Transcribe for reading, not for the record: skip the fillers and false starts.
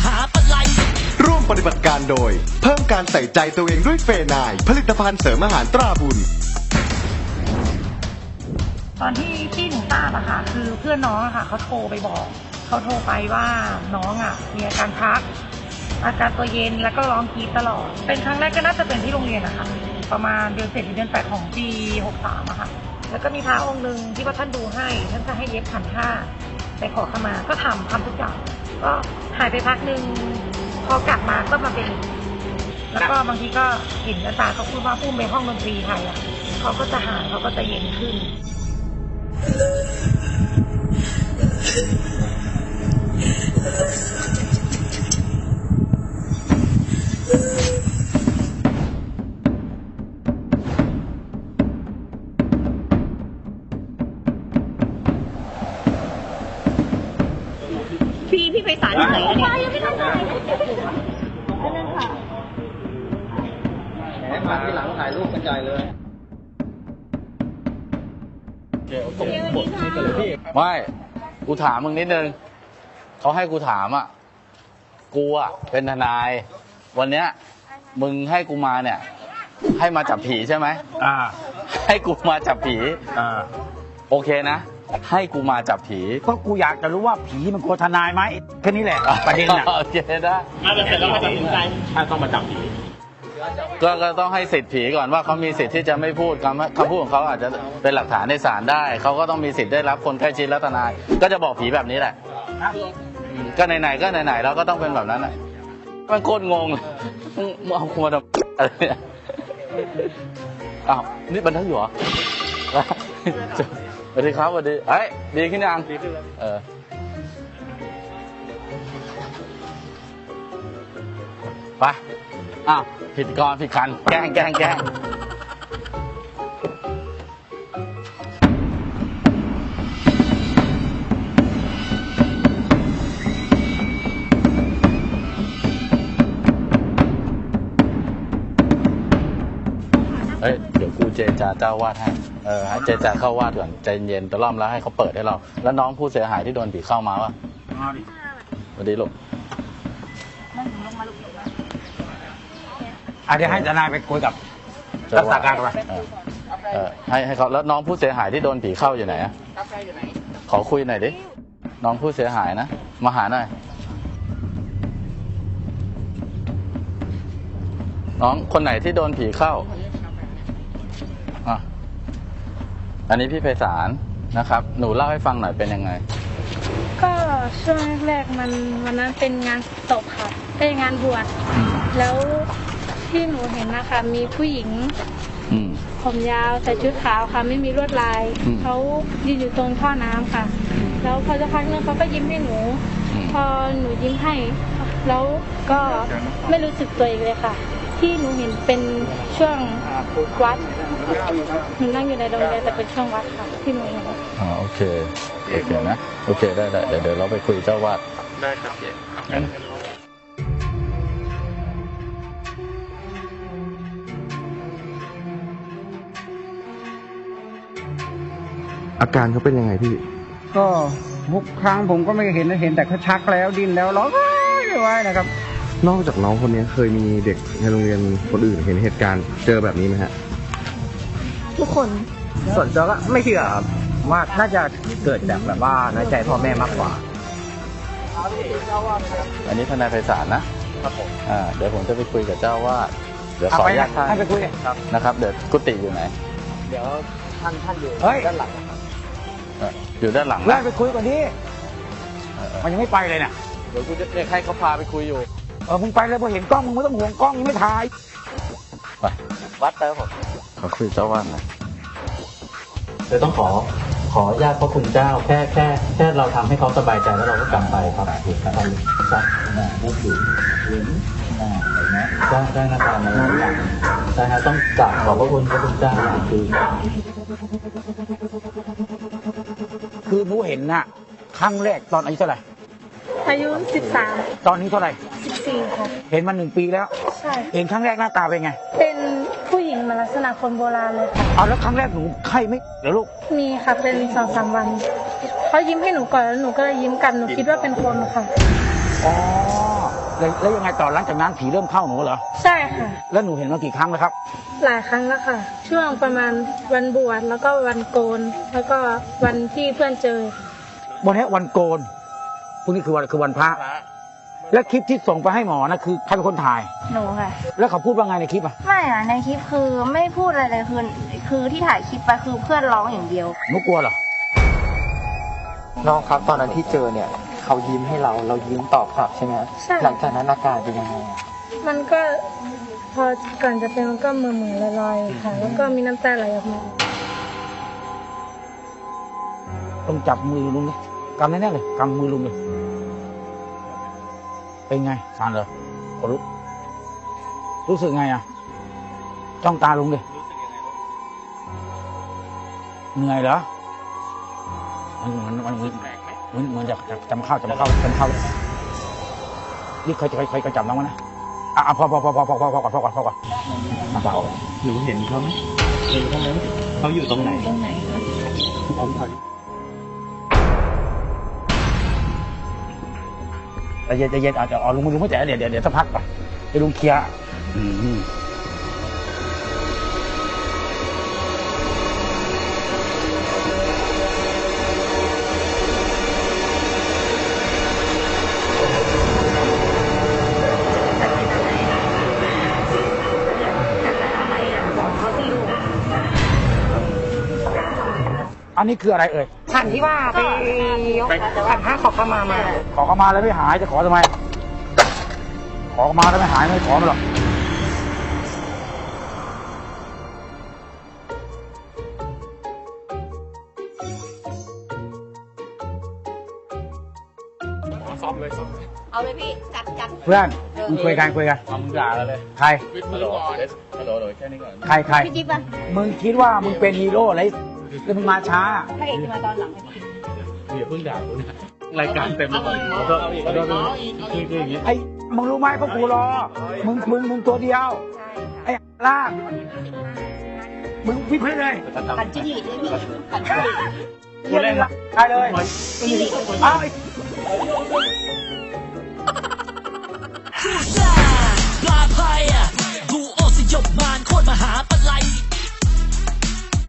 าปะไลร่วมปฏิบัติการโดยเพิ่มการใส่ใจตัวเองด้วยเฟนายผลิตภัณฑ์เสริมอาหารตราบุญตอนที่หนูทราบอะค่ะคือเพื่อนน้องอะค่ะเขาโทรไปบอกเขาโทรไปว่าน้องอะมีอาการชักอาการตัวเย็นแล้วก็ร้องกรีดตลอดเป็นครั้งแรกก็น่าจะเป็นที่โรงเรียนอะค่ะประมาณเดือน7 หรือเดือน 8ของปี63อะค่ะแล้วก็มีพระองค์หนึ่งที่ว่าท่านดูให้ท่านจะให้เย็บขันห้าไปขอขมาก็ทำทุกอย่างก็หายไปพักหนึ่งพอกลับมาก็มาเป็นแล้วก็บางทีก็เห็นอาจารย์เขาพูดว่าพุ่มไปห้องดนตรีไทยอะเขาก็จะหายเขาก็จะเย็นขึ้นพี่ไพศาลอยู่ไหนอะเนี่ยยังไม่ต้องถ่ายนั่นค่ะแหมมาที่หลังถ่ายรูปกระจายเลยไม่กูถามมึงนิดนึงเขาให้กูถามอ่ะกูอ่ะเป็นทนายวันเนี้ยมึงให้กูมาเนี่ยให้มาจับผีใช่ไหมให้กูมาจับผีโอเคนะให้กูมาจับผีก็กูอยากจะรู้ว่าผีมันกลัวทนายไหมแค่นี้แหละประเด็นน่ะโอเคนะเสร็จแล้วมาตัดสินใจถ้าต้องมาจับผีก็ต้องให้สิทธิ์ผีก่อนว่าเขามีสิทธิ์ที่จะไม่พูดคำพูดของเขาอาจจะเป็นหลักฐานในศาลได้เขาก็ต้องมีสิทธิ์ได้รับคนใกล้ชิดและทนายก็จะบอกผีแบบนี้แหละก็ไหนๆก็ไหนๆเราก็ต้องเป็นแบบนั้นแหละมันโคตรงงมึงเอาคุมาทำอะไรเนี่ยอ้าวนี่บันทึกอยู่เหรอสวัสดีครับสวัสดีเอ้ยดีขึ้นยังดีขึ้นแล้วไปอ้าวผิดก่อนผิดคันแกล้งเดี๋ยวกูเจรจาเจ้าวาดให้ให้เจรจาเข้าวาดก่อนใจเย็นตะล่อมแล้วให้เขาเปิดให้เราแล้วน้องผู้เสียหายที่โดนผีเข้ามาวะสวัสดีลูกเดี๋ยวให้ทนายไปคุยกับรักษาการไปให้เขาแล้วน้องผู้เสียหายที่โดนผีเข้าอยู่ไหนอะขอคุยหน่อยดิน้องผู้เสียหายนะมาหาหน่อยน้องคนไหนที่โดนผีเข้าอันนี้พี่ไพศาลนะครับหนูเล่าให้ฟังหน่อยเป็นยังไงก็ช่วงแรกวันนั้นเป็นงานศพค่ะเป็นงานบวชแล้วที่หนูเห็นนะคะมีผู้หญิงผมยาวใส่ชุดขาวค่ะไม่มีลวดลายเขายืนอยู่ตรงท่อน้ำค่ะแล้วพอจะพักนึงเขาก็ยิ้มให้หนูพอหนูยิ้มให้แล้วก็ไม่รู้สึกตัวอีกเลยค่ะที่หนูเห็นเป็นช่วงวัดหนูนั่งอยู่ในโรงเรียนแต่เป็นช่วงวัดค่ะที่หนูเห็นโอเคนะโอเคได้เดี๋ยวเราไปคุยเจ้าวาดได้ครับเจ๊อาการเขาเป็นยังไงพี่ก็ทุกครั้งผมก็ไม่เห็นแต่เขาชักแล้วดิ้นแล้วร้องไห้นะครับนอกจากน้องคนนี้เคยมีเด็กในโรงเรียนคนอื่นเห็นเหตุการณ์เจอแบบนี้ไหมฮะทุกคนส่วนตัวก็ไม่เชื่อครับว่าน่าจะเกิดจากแบบว่าน้อยใจพ่อแม่มากกว่าอันนี้ทนายไพศาลนะครับผมเดี๋ยวผมจะไปคุยกับเจ้าวาดเดี๋ยวขออนุญาตท่านให้ไปคุยนะครับเดี๋ยวกุฏิอยู่ไหนเดี๋ยวท่านอยู่ด้านหลังอยู่ด้านหลังนะไปคุยก่อนดิมันยังไม่ไปเลยเนี่ยเดี๋ยวกูจะให้เขาพาไปคุยอยู่มึงไปเลยพอเห็นกล้องมึงไม่ต้องห่วงกล้องยังไม่ถ่ายไปวัดเติมผมขอคุยเจ้าวาดหน่อยเดี๋ยวต้องขอญาติพระคุณเจ้าแค่เราทำให้เขาสบายใจแล้วเราก็กลับไปครับถูกครับครับได้อยู่เห็นเห็นไหมได้หน้าตาแล้วใช่ฮะต้องกราบขอบพระคุณพระคุณเจ้าคือหนูเห็นน่ะครั้งแรกตอนอายุเท่าไหร่อายุ13 ตอนนี้เท่าไหร่ 14ค่ะเห็นมา1 ปีแล้วใช่เห็นครั้งแรกหน้าตาเป็นไงเป็นผู้หญิงมาลักษณะคนโบราณเลยค่ะแล้วครั้งแรกหนูไข้ไหมเดี๋ยวลูกมีค่ะเป็น2-3 วันเขายิ้มให้หนูก่อนแล้วหนูก็เลยยิ้มกลับหนูคิดว่าเป็นคนค่ะอ๋อแล้วยังไงต่อหลังจากนั้นผีเริ่มเข้าหนูเหรอใช่ค่ะแล้วหนูเห็นมากี่ครั้งแล้วครับหลายครั้งแล้วค่ะ ช่วงประมาณวันบวชแล้วก็วันโกน แล้วก็วันที่เพื่อนเจอวันนี้วันโกนพรุ่งนี้คือวันพระ และคลิปที่ส่งไปให้หมอนะคือใครเป็นคนถ่ายหนูค่ะแล้วเขาพูดว่าไงในคลิปอ่ะไม่อะในคลิปคือไม่พูดอะไรเลยคือที่ถ่ายคลิปไปคือเพื่อนร้องอย่างเดียวหนูกลัวเหรอน้องครับตอนนั้นที่เจอเนี่ยเขายิ้มให้เรายิ้มตอบกลับใช่ไหมใช่หลังจากนั้นอาการเป็นยังไงมันก็พอก่อนจะเป็นมันก็มือลอยๆค่ะ แล้วก็มีน้ำตาไหลออกมาต้องจับมือลุงเลยกำแน่ๆเลยกำมือลุงเลยเป็นไงสารเหรอขนลุกรู้สึกไงอ่ะจ้องตาลุงเลยเหนื่อยเหรอมันจะจำเข้านี่เคยจับน้องมั้ยนะพอก่อนมาเบาหนูเห็นเขาไหมเห็นเขาไหมเขาอยู่ตรงไหนใจเย็นอาจจะลุงไม่แจ๋เดี๋ยวสักพักก่อนให้ลุงเคลียร์อันนี้คืออะไรเอ่ยขันที่ว่าไปขันห้าขอเข้ามาขอเข้ามาแล้วไม่หายจะขอทำไม ขอเข้ามาแล้วไม่หายไม่ขอมาหรอกเอาเลยพี่จัดเพื่อนมึงคุยกันมึงด่าเราเลยใครวิทมือก่อนฮัลโหลแค่นี้ก่อนใครพี่จิ๊บอะมึงคิดว่ามึงเป็นฮีโร่อะไรแล้วมึงมาช้าพระเอกจะมาตอนหลังอย่าเพิ่งด่ากูนะรายการเต็มแล้วขอโทษคืออย่างนี้ไอ้มึงรู้ไหมพวกกูรอมึงตัวเดียวไอ้ล่างมึงพิพเลยขันจิ้งหรีดด้วยพี่ขันจิ้งหรีดกูเล่นละใช่เลยเอาไอ้ปลาภัยดูโอสยบมารโคตรมหา